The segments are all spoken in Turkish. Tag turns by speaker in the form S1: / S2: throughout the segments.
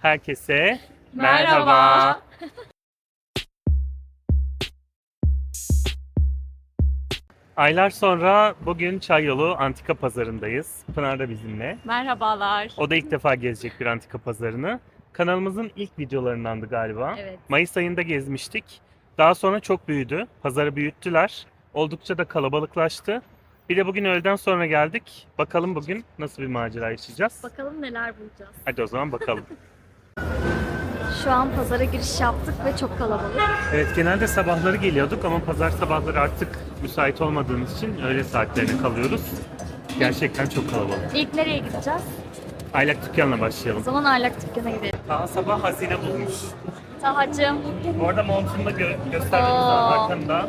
S1: Herkese
S2: Merhaba.
S1: Aylar sonra bugün Çayyolu Antika Pazarı'ndayız. Pınar da bizimle.
S2: Merhabalar.
S1: O da ilk defa gezecek bir antika pazarını. Kanalımızın ilk videolarındandı galiba.
S2: Evet.
S1: Mayıs ayında gezmiştik. Daha sonra çok büyüdü. Pazarı büyüttüler. Oldukça da kalabalıklaştı. Bir de bugün öğleden sonra geldik. Bakalım bugün nasıl bir macera yaşayacağız.
S2: Bakalım neler bulacağız.
S1: Hadi o zaman bakalım.
S2: Şu an pazara giriş yaptık ve çok kalabalık.
S1: Evet, genelde sabahları geliyorduk ama pazar sabahları artık müsait olmadığımız için öğle saatlerine kalıyoruz. Gerçekten çok kalabalık.
S2: İlk nereye gideceğiz?
S1: Aylak dükkanla
S2: O
S1: başlayalım.
S2: zaman Aylak Dükkanı'na gidelim.
S1: Daha sabah hazine bulmuş.
S2: Tahacığım,
S1: Bu arada montunu da göstermemiz lazım arkanda.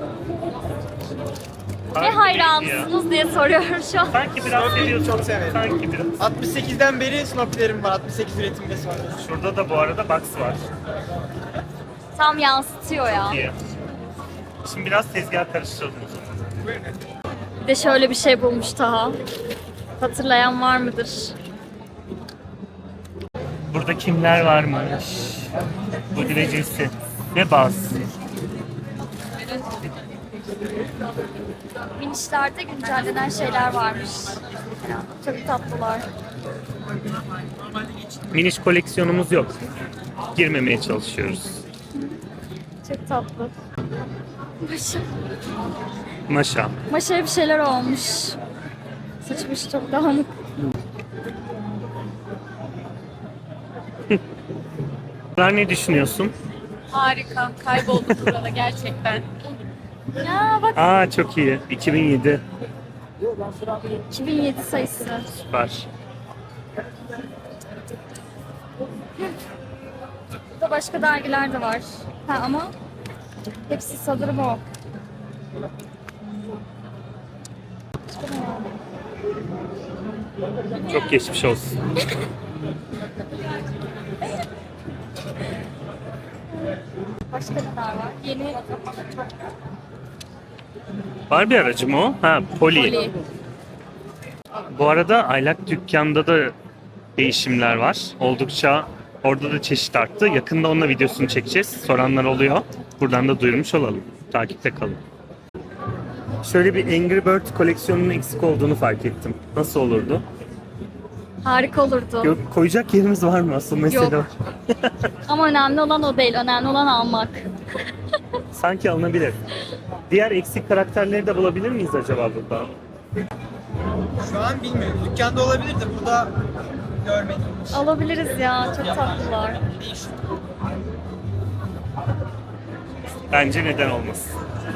S2: ne
S1: Harika
S2: hayranısınız diye soruyorum şu an.
S1: Sanki biraz seviyorsun.
S3: Çok severim.
S1: Sanki biraz.
S3: 68'den beri Snoopy'lerim var. 68 üretimde sonra.
S1: Şurada da bu arada box var.
S2: Tam yansıtıyor ya.
S1: İyi. Şimdi biraz tezgah karıştıralım o zaman.
S2: Bir de şöyle bir şey bulmuş Taha. Hatırlayan var mıdır?
S1: Burada kimler varmış? Bu dilecesi ve baz.
S2: Minişlerde güncellenen şeyler varmış. Çok tatlılar.
S1: Miniş koleksiyonumuz yok. Girmemeye çalışıyoruz.
S2: Çok tatlı. Maşa.
S1: Maşa.
S2: Maşaya bir şeyler olmuş. Saçmış çok dağınık.
S1: Pınar, ne düşünüyorsun?
S4: Harika. Kaybolduk burada gerçekten.
S2: Ya bak
S1: Aa, çok iyi. 2007.
S2: 2007 sayısı.
S1: Süper.
S2: Burada başka dergiler de var. Ha ama hepsi sanırım o.
S1: Çok geçmiş olsun.
S2: Başka neler var? Yeni
S1: Var bir aracı mı o? Ha, Poli.
S2: Poli.
S1: Bu arada Aylak dükkanda da değişimler var. Oldukça orada da çeşit arttı. Yakında onunla videosunu çekeceğiz. Soranlar oluyor. Buradan da duyurmuş olalım. Takipte kalın. Şöyle bir Angry Bird koleksiyonunun eksik olduğunu fark ettim. Nasıl olurdu?
S2: Harika olurdu.
S1: Yok, koyacak yerimiz var mı? Asıl mesele
S2: Yok.
S1: o.
S2: Ama önemli olan o değil. Önemli olan almak.
S1: Sanki alınabilir. Diğer eksik karakterleri de bulabilir miyiz acaba burada?
S3: Şu an bilmiyorum. Dükkanda olabilir de burada görmedim.
S2: Alabiliriz ya. Çok tatlılar.
S1: Bence neden olmasın.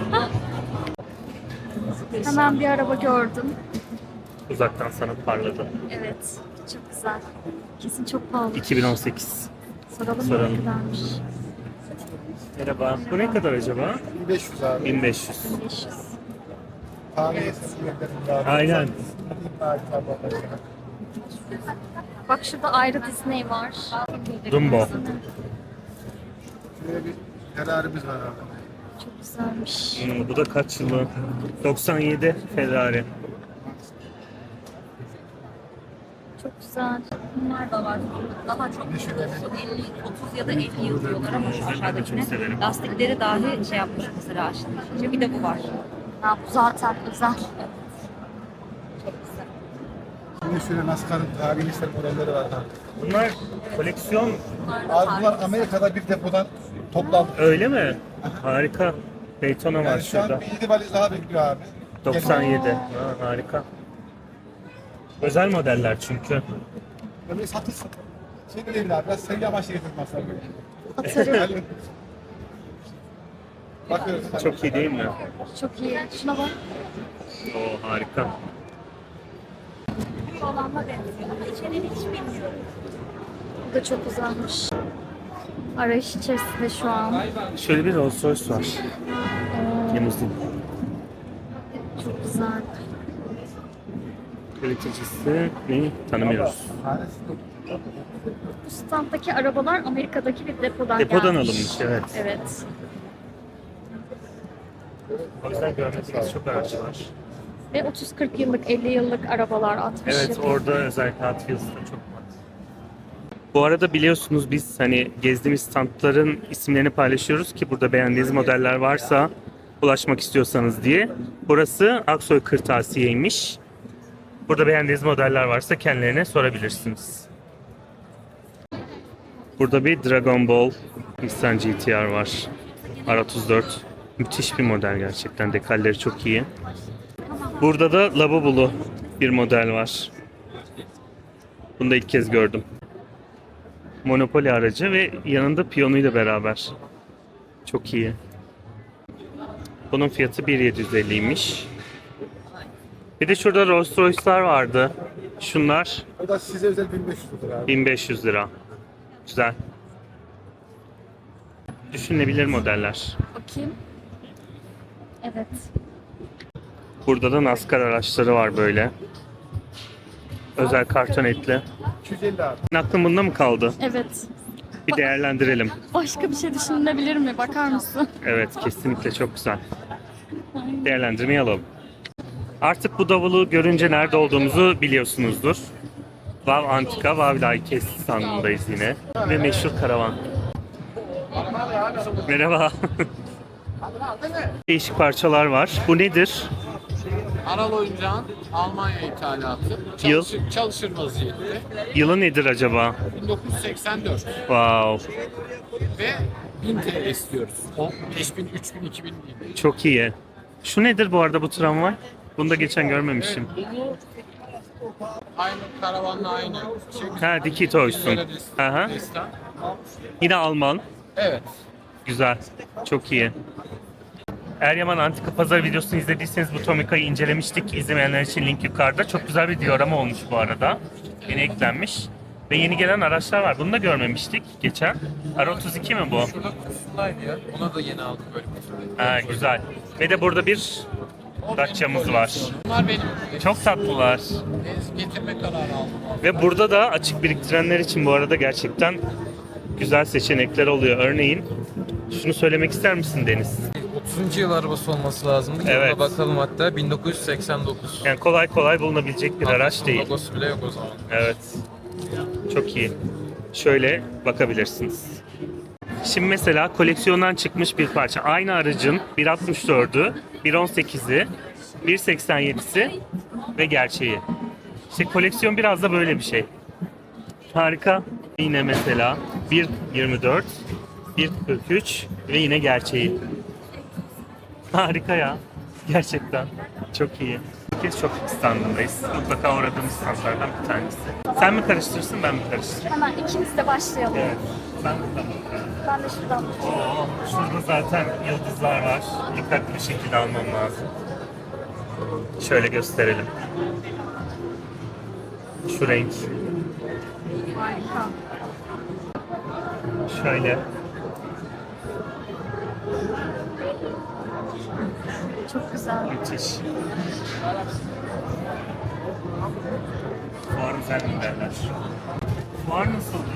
S2: Hemen bir araba gördüm.
S1: Uzaktan sana parladı.
S2: Evet. Çok güzel. Kesin çok pahalı.
S1: 2018.
S2: Soralım mı
S1: Soralım.
S2: ne kadarmış?
S1: Merhaba. Bu ne kadar acaba?
S5: 1500 abi.
S1: 1500.
S2: 500.
S5: Tahmin etsin sürekli abi.
S1: Aynen.
S2: Bak şurada ayrı Disney var.
S1: Dumbo.
S5: Şuraya bir Ferrari'miz var abi.
S2: Çok güzelmiş.
S1: Bu da kaç yılı? 97 Ferrari.
S2: Çok güzel.
S4: Bunlar da var. Daha çok 50, 30 ya da 50 yıl diyorlar ama şu
S1: Ben de çok
S4: aşağıdakine
S1: severim.
S4: lastikleri dahi şey yapmış mesela aşağıdaki. Bir de bu var.
S2: Ya bu zaten özel.
S5: Şimdi şöyle NASCAR'ın tarihi işler modelleri var abi.
S1: Bunlar koleksiyon,
S5: Abi bunlar Amerika'da bir depodan toplandı.
S1: öyle mi? Harika. Daytona var
S5: Yani şu an
S1: şurada.
S5: bir 7 valiz daha bekliyor abi.
S1: 97. Ha, harika. Özel modeller çünkü.
S5: Böyle satılsın. Şey değil abi, biraz sevgi amaçlı getirmezler böyle.
S2: Atarım.
S5: Bakıyoruz.
S1: Çok iyi değil mi?
S2: Çok iyi. Şuna bak.
S1: Oo, harika.
S2: Bu da çok güzelmiş. Arayış içerisinde şu an.
S1: Şöyle bir Rolls Royce var. Limuzin.
S2: Çok güzel.
S1: Üreticisi ne? Tanımıyoruz.
S2: Bu standdaki arabalar Amerika'daki bir depodan
S1: Depodan
S2: gelmiş.
S1: alınmış, evet.
S2: Evet.
S1: O yüzden görmediğimiz çok araç var.
S2: Ve 30-40 yıllık, 50 yıllık arabalar atmış.
S1: Evet, orada özellikle Hot Wheels'ta çok var. Bu arada biliyorsunuz biz hani gezdiğimiz standların isimlerini paylaşıyoruz ki burada beğendiğiniz modeller varsa ulaşmak istiyorsanız diye. Burası Aksoy Kırtasiye'ymiş. Burada beğendiğiniz modeller varsa kendilerine sorabilirsiniz. Burada bir Dragon Ball Nissan GT-R var. R34. Müthiş bir model gerçekten. Dekalleri çok iyi. Burada da Lavabolu bir model var. Bunu da ilk kez gördüm. Monopoly aracı ve yanında piyonuyla beraber. Çok iyi. Bunun fiyatı 1.750'ymiş. Bir de şurada Rolls Royce'lar vardı. Şunlar
S5: O da size özel 1500 lira abi.
S1: 1500 lira. Güzel. Düşünülebilir modeller.
S2: Bakayım. Evet.
S1: Burada da NASCAR araçları var böyle. Özel karton etli.
S5: 250 abi.
S1: Aklın bunda mı kaldı?
S2: Evet.
S1: Bir değerlendirelim.
S2: Başka bir şey düşünülebilir mi? Bakar mısın?
S1: Evet, kesinlikle çok güzel. Değerlendirmeyi alalım. Artık bu davulu görünce nerede olduğumuzu biliyorsunuzdur. Vav Antika, Vav Laikes standındayız yine. Ve meşhur karavan. Merhaba. Değişik parçalar var. Bu nedir?
S6: Aral oyuncağın Almanya ithalatı.
S1: Yıl?
S6: Çalışır vaziyette.
S1: Yılı nedir acaba?
S6: 1984
S1: Wow,
S6: ve 1000 TL istiyoruz. O 5000, 3000, 2000 değil.
S1: çok iyi. Şu nedir bu arada bu tramvay? Bunu da geçen görmemiştim.
S6: Bunu aynı karavanla aynı şey.
S1: Ha, Diki Toys'un. Aha.
S6: Destan.
S1: Yine Alman.
S6: Evet.
S1: Güzel. Çok iyi. Eryaman Antika Pazar videosunu izlediyseniz bu Tomica'yı incelemiştik. İzlemeyenler için link yukarıda. Çok güzel bir diorama olmuş bu arada. Yeni eklenmiş. Ve yeni gelen araçlar var. Bunu da görmemiştik geçen. R32 mi bu?
S6: Şurada kutusundaydı ya. Ona da yeni aldım böyle kutusundaydı.
S1: Ha, güzel. Ve de burada bir Dacia'mız var.
S6: Bunlar benim.
S1: Çok tatlılar.
S6: Getirme kararı aldım.
S1: Ve burada da açık biriktirenler için bu arada gerçekten güzel seçenekler oluyor. Örneğin şunu söylemek ister misin Deniz?
S7: 30. yıl arabası olması lazım.
S1: Evet.
S7: Ona bakalım hatta 1989.
S1: Yani kolay kolay bulunabilecek bir araç değil.
S7: Logosu bile yok o zaman.
S1: Evet. Çok iyi. Şöyle bakabilirsiniz. Şimdi mesela koleksiyondan çıkmış bir parça. Aynı aracın 1.64'ü, 1.18'i, 1.87'si ve gerçeği. İşte koleksiyon biraz da böyle bir şey. Harika. Yine mesela 1.24, 1.43 ve yine gerçeği. Harika ya. Gerçekten. Çok iyi. Bir kez çok standındayız. Mutlaka uğradığımız standlardan bir tanesi. Sen mi karıştırırsın, ben mi karıştırayım?
S2: Hemen ikimiz de başlayalım.
S1: Evet. Ben buradan bakarım.
S2: Ben de şuradan.
S1: Oo, şurada zaten yıldızlar var. Dikkatli bir şekilde almam lazım. Şöyle gösterelim. Şu renk.
S2: Harika.
S1: Şöyle.
S2: Çok güzel.
S1: Müthiş. Fuar güzel modeller. Fuar nasıldı?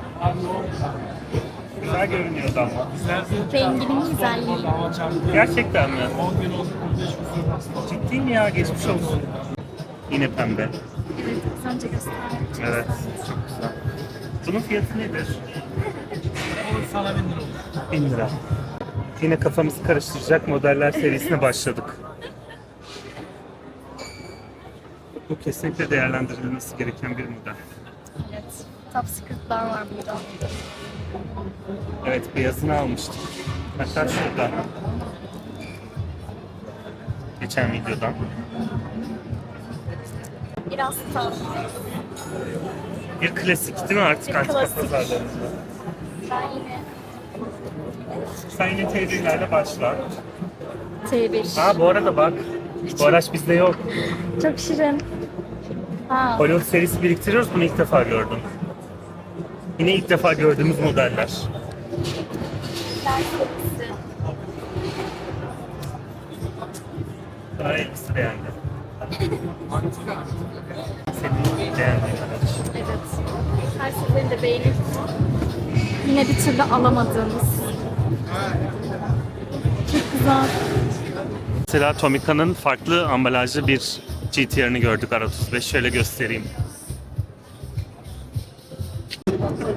S1: Güzel görünüyordu ama.
S2: Renginin güzelliği.
S1: Gerçekten mi? Ciddi mi ya? Geçmiş olsun. Yine pembe.
S2: Evet, az önce gösterdim.
S1: Evet. Çok güzel. Bunun fiyatı nedir?
S3: Sana 1000 lira olur.
S1: 1000 lira. Yine kafamızı karıştıracak modeller serisine başladık. Bu kesinlikle değerlendirilmesi gereken bir model.
S2: Evet. Top secret'lar var burada.
S1: Evet, beyazını almıştık. Hatta şurada. Geçen videodan.
S2: Biraz tam.
S1: Bir klasik değil mi artık
S2: Bir
S1: antika
S2: klasik.
S1: pazarlarında?
S2: Ben yine
S1: Sen yine teyzelerle başla.
S2: T1.
S1: Ha bu arada bak. Bu araç bizde yok.
S2: Çok şirin. Ha,
S1: Hollywood serisi biriktiriyoruz. Bunu ilk defa gördüm. Yine ilk defa gördüğümüz modeller.
S2: ders serisi.
S1: Daha elbise beğendim. Senin beğendiğin araç.
S2: Evet. Her seferinde beğenip yine bir türlü alamadığımız. Çok güzel.
S1: Mesela Tomica'nın farklı ambalajlı bir GT-R'ını gördük R35. Şöyle göstereyim.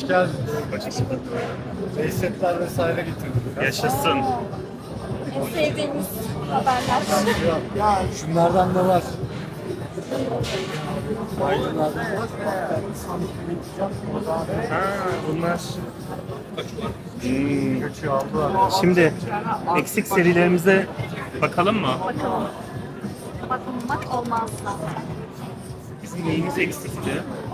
S5: geldiniz. Leysetler vesaire getirdim.
S1: Yaşasın.
S2: En sevdiğimiz haberler.
S5: Şunlardan da var. Aydınlardan da var.
S1: Ha, bunlar.
S5: Göçü aldılar.
S1: Şimdi eksik serilerimize bakalım mı?
S2: Bakalım. Bakmamak olmaz.
S1: Bizim neyimiz eksikti?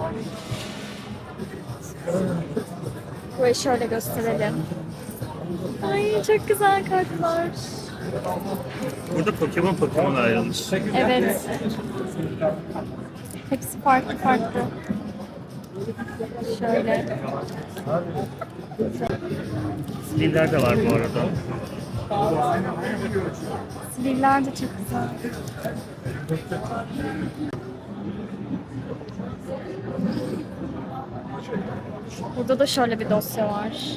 S2: Burayı şöyle gösterelim. Ay çok güzel kartlar.
S1: Burada Pokemon ayrılmış.
S2: Evet. Hepsi farklı farklı. Şöyle.
S1: Stiller de var bu arada.
S2: Siviller de çok güzel. Burada da şöyle bir dosya var.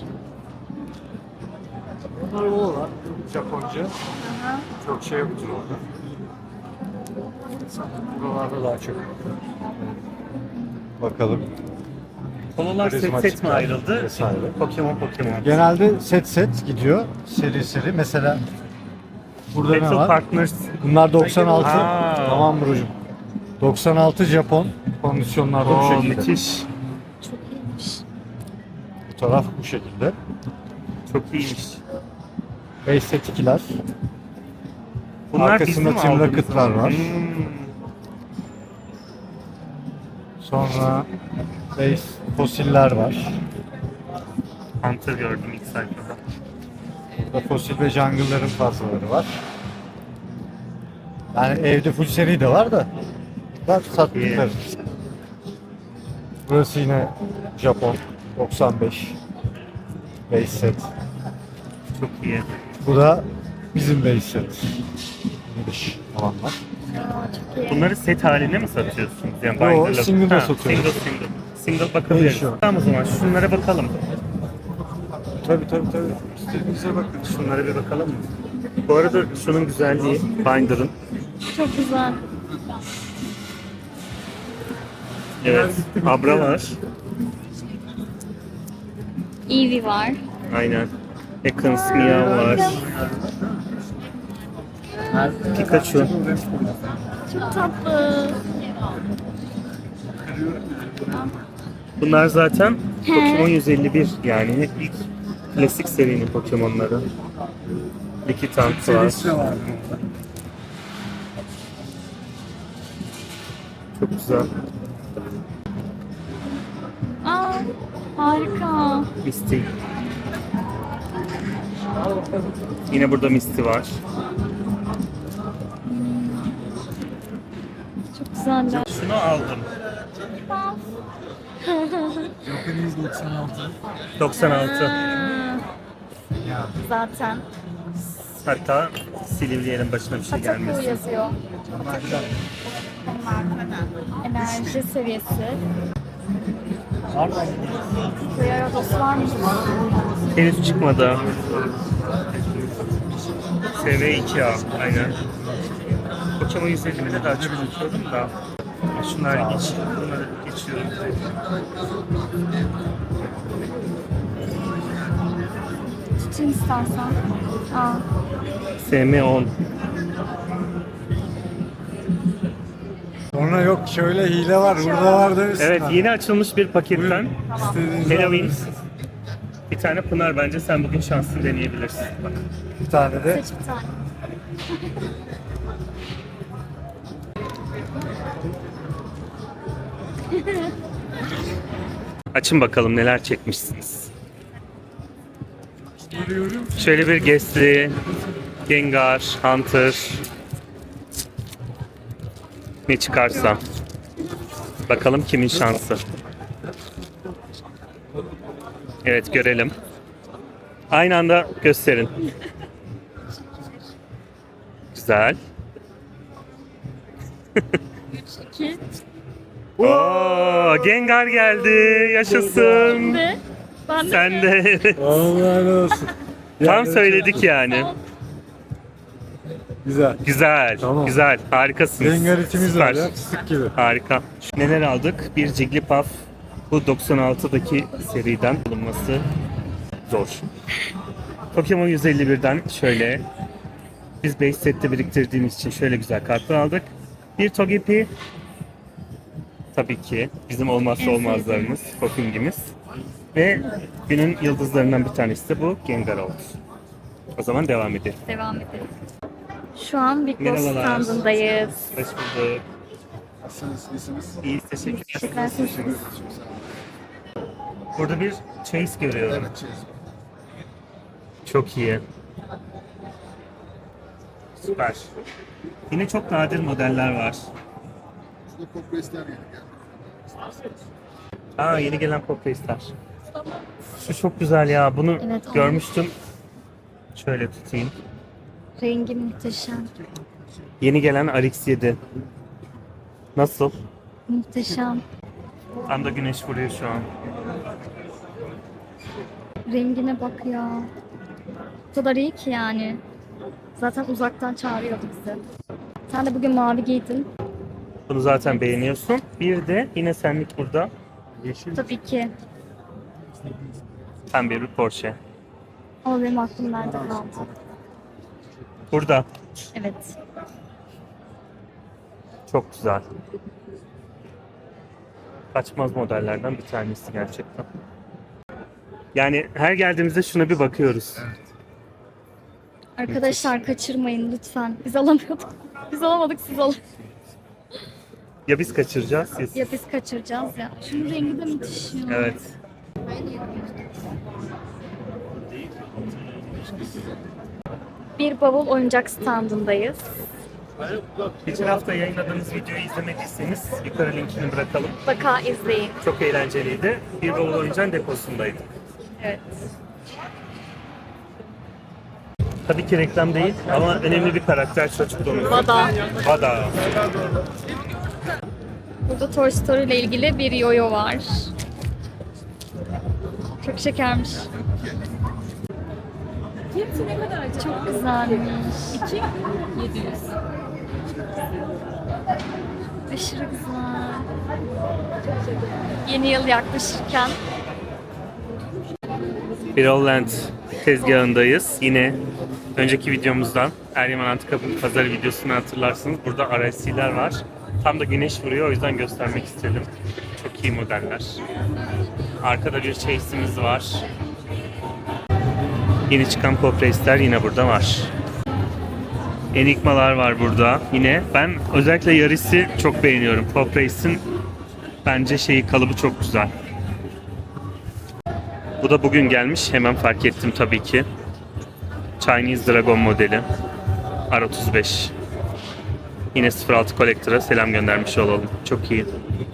S5: Bunlar o var. Japonca. Çok şey yoktur orada. Buralarda daha çok. Bakalım.
S1: Konular set set mi ayrıldı?
S5: Vesaire.
S1: Pokemon.
S5: Genelde set gidiyor. Seri. Mesela burada ne
S1: Battle
S5: var?
S1: Partners.
S5: Bunlar 96.
S1: Aa.
S5: Tamam Burcu'm. 96 Japon kondisyonlarda bu
S1: Oo,
S5: şekilde.
S1: müthiş.
S2: Çok iyiymiş.
S5: Bu taraf bu şekilde.
S1: Çok iyiymiş.
S5: Base set 2'ler.
S1: Bunlar
S5: Arkasında
S1: bizim
S5: Team
S1: aldığımız
S5: Rocket'lar
S1: mı?
S5: var. Sonra base fosiller var.
S1: Hunter gördüm ilk sayfada.
S5: Burada fosil ve jungle'ların fazlaları var. Yani evde full seri de var da ben sattıkları. Burası yine Japon 95 base set.
S1: Çok iyi.
S5: Bu da bizim base set. Giriş olanlar.
S2: Aa, çok iyi.
S1: Bunları set haline mi satıyorsunuz? Yani
S5: Yo,
S1: binder'la-
S5: single'da
S1: Ha,
S5: satıyoruz.
S1: Single bakabiliriz.
S5: Değişiyor.
S1: Tamam o zaman şunlara bakalım.
S5: Tabii. İstediğinize bakın.
S1: Şunlara bir bakalım mı? Bu arada şunun güzelliği binder'ın.
S2: Çok güzel.
S1: Evet. Abra var.
S2: Eevee var.
S1: Aynen. Ekans Meow var. Pikachu.
S2: Çok tatlı.
S1: Bunlar zaten Pokemon 151 yani ilk klasik serinin Pokemon'ları. Lickitung var. Çok güzel.
S2: Aa, harika.
S1: Misty. Yine burada Misty var.
S2: Çok güzeller.
S1: Şunu aldım. 96.
S2: Aa, zaten.
S1: Hatta Silivri'nin başına bir şey
S2: Pataku
S1: gelmesin.
S2: yazıyor. Enerji seviyesi. Gyarados var mı?
S1: Henüz çıkmadı. SV2A aynen. Pokemon 150'de daha çok unutuyorum da. Şunlar geç. Bunları geçiyorum.
S2: Tutayım istersen. Aa,
S1: SM10.
S5: Sonra yok şöyle hile var, burada var demişsin.
S1: Evet yeni açılmış bir paketten
S5: İstediğinizi
S1: Halloween.
S5: alabilirsiniz.
S1: Bir tane Pınar bence sen bugün şansını deneyebilirsin. Bak.
S5: Bir tane de
S2: seç bir tane.
S1: Açın bakalım neler çekmişsiniz. Şöyle bir Gastly, Gengar, Hunter. Ne çıkarsa. Bakalım kimin şansı. Evet görelim. Aynı anda gösterin. Güzel.
S2: 2.
S1: Oo, Gengar geldi. Yaşasın.
S2: Ve ben de
S1: Sen de.
S5: Allah olsun.
S1: Tam söyledik yani.
S5: Güzel.
S1: Güzel.
S5: Tamam.
S1: Güzel. Harikasınız.
S5: Rengar içimiz
S1: Süper.
S5: var ya, fıstık gibi.
S1: Harika. Neler aldık? Bir Jigglypuff, Bu 96'daki seriden bulunması zor. Pokemon 151'den şöyle biz base sette biriktirdiğimiz için şöyle güzel kartlar aldık. Bir Togepi, tabii ki bizim olmazsa olmazlarımız, Poking'imiz. Ve günün yıldızlarından bir tanesi de bu Gengar oldu. O zaman devam edelim.
S2: Devam edelim. Şu an Big Boss
S1: Merhabalar.
S2: standındayız.
S1: Hoş bulduk.
S5: Nasılsınız? İyisiniz?
S1: İyi, teşekkürler.
S2: Teşekkürler.
S1: Burada bir Chase görüyorum.
S5: Evet, çiz.
S1: Çok iyi. Süper. Yine çok nadir modeller var.
S5: Şurada kompresler yeni geldi.
S1: Aa, yeni gelen Pop Race'ler. Şu çok güzel ya. Bunu
S2: Evet, o.
S1: görmüştüm. Şöyle tutayım.
S2: Rengi muhteşem.
S1: Yeni gelen RX-7. Nasıl?
S2: Muhteşem.
S1: Tam da güneş vuruyor şu an.
S2: Rengine bak ya. O kadar iyi ki yani. Zaten uzaktan çağırıyordu bizi. Sen de bugün mavi giydin.
S1: Bunu zaten beğeniyorsun. Bir de yine senlik burada. Yeşil.
S2: Tabii ki.
S1: Pembe bir Porsche.
S2: Ama benim aklım nerede kaldı?
S1: Burada.
S2: Evet.
S1: Çok güzel. Kaçmaz modellerden bir tanesi gerçekten. Yani her geldiğimizde şuna bir bakıyoruz.
S2: Arkadaşlar kaçırmayın lütfen. Biz alamıyorduk. Biz alamadık, siz alın.
S1: Ya biz kaçıracağız ya siz.
S2: Ya biz kaçıracağız ya. Şunun rengi de müthiş ya.
S1: Evet.
S2: Bir bavul oyuncak standındayız.
S1: Geçen hafta yayınladığımız videoyu izlemediyseniz yukarı linkini bırakalım.
S2: Mutlaka izleyin.
S1: Çok eğlenceliydi. Bir bavul oyuncağın deposundaydı.
S2: Evet.
S1: Tabii ki reklam değil ama önemli bir karakter çocukluğumuzda.
S2: Vada.
S1: Vada.
S2: Burada Toy Story ile ilgili bir yoyo var. Çok şekermiş.
S4: Fiyatı ne kadar acaba?
S2: Çok güzelmiş.
S4: 700.
S2: Aşırı güzel. Yeni yıl yaklaşırken
S1: Birolland tezgahındayız. Yine önceki videomuzdan Eryaman Antika Pazarı videosunu hatırlarsınız. Burada RSC'ler var. Tam da güneş vuruyor, o yüzden göstermek istedim. Çok iyi modeller. Arkada bir Chase'imiz var. Yeni çıkan Pop Race'ler yine burada var. Enigmalar var burada. Yine ben özellikle Yaris'i çok beğeniyorum. Pop Race'in bence kalıbı çok güzel. Bu da bugün gelmiş. Hemen fark ettim tabii ki. Chinese Dragon modeli. R35. Yine 06 Collector'a selam göndermiş olalım. Çok iyi.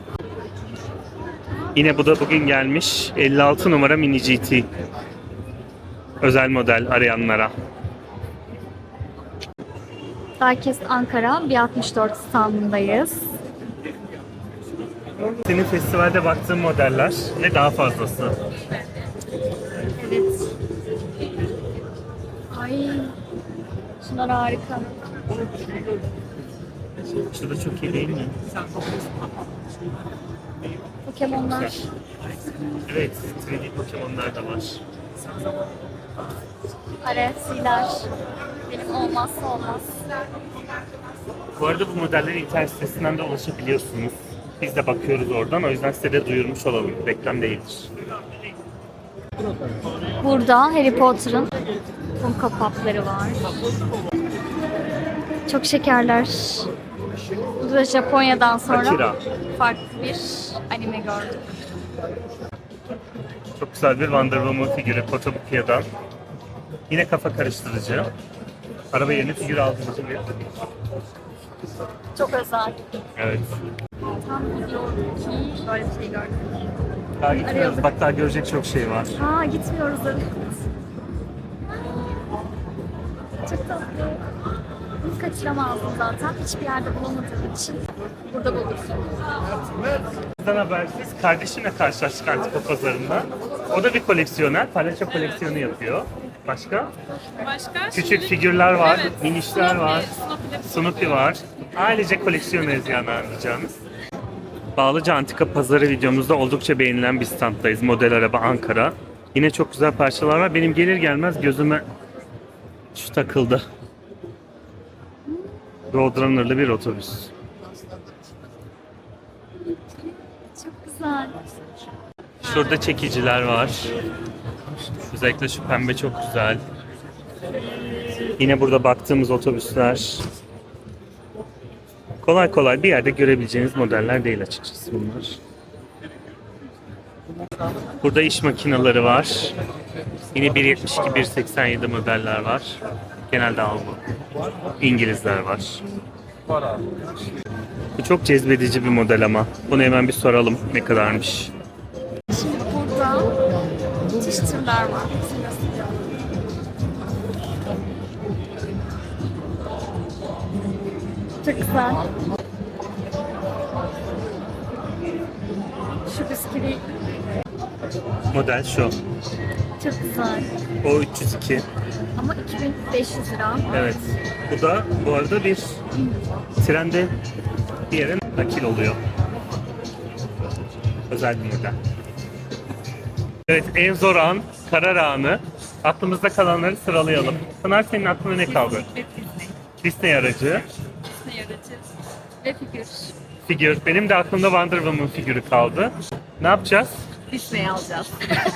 S1: Yine bu da bugün gelmiş. 56 numara Mini GT. Özel model arayanlara.
S2: Diecast Ankara 164 standındayız.
S1: Senin festivalde baktığın modeller ve daha fazlası.
S2: Evet. Ay. Şunlar harika.
S1: Şu da çok iyi değil mi?
S2: Pokemonlar.
S1: Evet, 3D Pokemon'lar da var.
S2: RFC'ler. Benim olmazsa olmaz.
S1: Bu arada bu modelleri internet sitesinden de ulaşabiliyorsunuz. Biz de bakıyoruz oradan, o yüzden size de duyurmuş olalım. Reklam değildir.
S2: Burada Harry Potter'ın Funko Pop'ları var. Çok şekerler. Burada Japonya'dan sonra
S1: Akira.
S2: farklı bir anime gördük.
S1: Çok güzel bir Wonder Woman figürü Kotobukia'dan. Yine kafa karıştırıcı. Araba yerine figür aldığımız bir.
S2: Çok özel.
S1: Evet.
S2: Tam biliyordum ki böyle bir şey gördüm.
S1: Daha gitmiyoruz. Bak daha görecek çok şey var.
S2: Ha gitmiyoruz evet. Çok tatlı. Bunu kaçıramazdım zaten. Hiçbir yerde bulamadığım için burada bulduk.
S1: Bizden habersiz kardeşimle karşılaştık Antika Pazarı'nda. O da bir koleksiyoner. Palyaço koleksiyonu yapıyor. Başka?
S4: Başka?
S1: Küçük figürler var,
S4: Evet.
S1: minişler var,
S4: Snoopy de-
S1: Snoopy var. Ailece koleksiyoneriz yani anlayacağınız. Bağlıca Antika Pazarı videomuzda oldukça beğenilen bir standdayız. Model araba Ankara. Yine çok güzel parçalar var. Benim gelir gelmez gözüme şu takıldı. Roadrunner'lı bir otobüs.
S2: Çok güzel.
S1: Şurada çekiciler var. Özellikle şu pembe çok güzel. Yine burada baktığımız otobüsler. Kolay kolay bir yerde görebileceğiniz modeller değil açıkçası bunlar. Burada iş makineleri var. Yine 1.72-1.87 modeller var. Genelde Alman. İngilizler var. Bu çok cezbedici bir model ama. Bunu hemen bir soralım ne kadarmış.
S2: Şimdi burada çeşit türler var. Hepsini göstereceğim. Çok güzel. Şu bisküvi
S1: Model şu.
S2: çok güzel.
S1: O 302.
S2: Ama 2500 lira.
S1: Evet. Bu da bu arada bir trende bir yere nakil oluyor. Özel bir model. Evet, en zor an, karar anı. Aklımızda kalanları sıralayalım. Pınar, senin aklına ne kaldı? Disney aracı,
S4: Disney aracı ve figür.
S1: figür. Benim de aklımda Wonder Woman figürü kaldı. Ne yapacağız?
S4: Disney alacağız.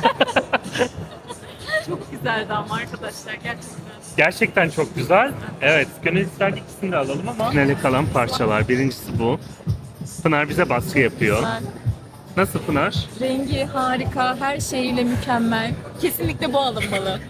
S4: Çok güzeldi ama arkadaşlar gerçekten.
S1: Gerçekten çok güzel. Evet, gönül isterdi ikisini de alalım ama finale kalan parçalar. Birincisi bu. Pınar bize baskı yapıyor.
S4: Güzel.
S1: Nasıl Pınar?
S4: Rengi harika, her şeyiyle mükemmel. Kesinlikle bu alınmalı.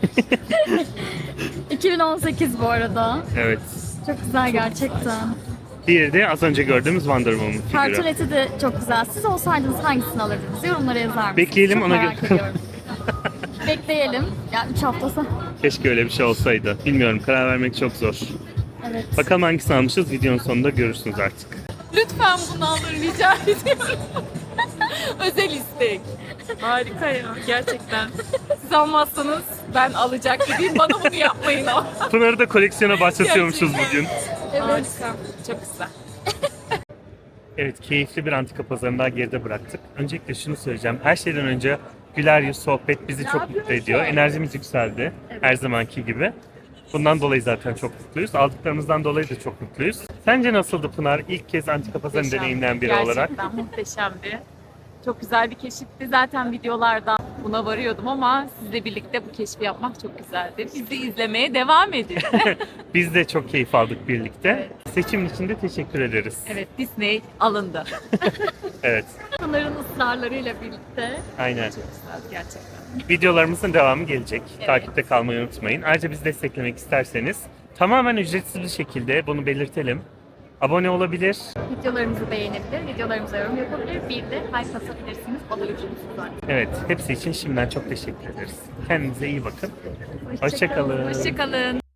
S2: 2018 bu arada.
S1: Evet.
S2: Çok güzel gerçekten.
S1: Diğeri de az önce gördüğümüz Wonder Woman figürü.
S2: Kartoneti de çok güzel. Siz olsaydınız hangisini alırdınız? Yorumlara yazar mısınız?
S1: Bekleyelim,
S2: Çok
S1: ona
S2: merak
S1: göre.
S2: ediyorum. Bekleyelim. Yani 3 hafta sonra.
S1: Keşke öyle bir şey olsaydı. Bilmiyorum, karar vermek çok zor.
S2: Evet.
S1: Bakalım hangisini almışız, videonun sonunda görürsünüz artık.
S4: Lütfen bunu alın rica ediyorum. Özel istek. Harika ya gerçekten. Siz almazsanız ben alacak gibiyim. Bana bunu yapmayın ama.
S1: Pınar'ı da koleksiyona başlatıyormuşuz
S4: Gerçekten.
S1: bugün.
S4: Harika. Çok güzel.
S1: Evet, keyifli bir antika pazarını daha geride bıraktık. Öncelikle şunu söyleyeceğim. Her şeyden önce güler yüz, sohbet bizi çok mutlu ediyor. Enerjimiz yükseldi. Her zamanki gibi. Bundan dolayı zaten çok mutluyuz. Aldıklarımızdan dolayı da çok mutluyuz. Sence nasıldı Pınar? İlk kez antika pazarını
S4: Muhteşemdi.
S1: deneyimleyen biri
S4: Gerçekten
S1: olarak.
S4: muhteşemdi. Çok güzel bir keşifti. Zaten videolarda buna varıyordum ama sizle birlikte bu keşfi yapmak çok güzeldi. Bizi izlemeye devam edin.
S1: Biz de çok keyif aldık birlikte. Seçimin için de teşekkür ederiz.
S4: Evet, Disney alındı.
S1: Evet,
S2: Pınar'ın ısrarlarıyla birlikte.
S1: aynen.
S4: Çok güzeldi gerçekten.
S1: Videolarımızın devamı gelecek.
S4: Evet.
S1: Takipte kalmayı unutmayın. Ayrıca bizi desteklemek isterseniz tamamen ücretsiz bir şekilde bunu belirtelim. Abone olabilir.
S2: Videolarımızı beğenebilir, videolarımıza yorum yapabilir. Bir de like atabilirsiniz. O da ücretsiz zaten.
S1: Evet, hepsi için şimdiden çok teşekkür ederiz. Kendinize iyi bakın. Hoşça kalın.
S4: Hoşçakalın.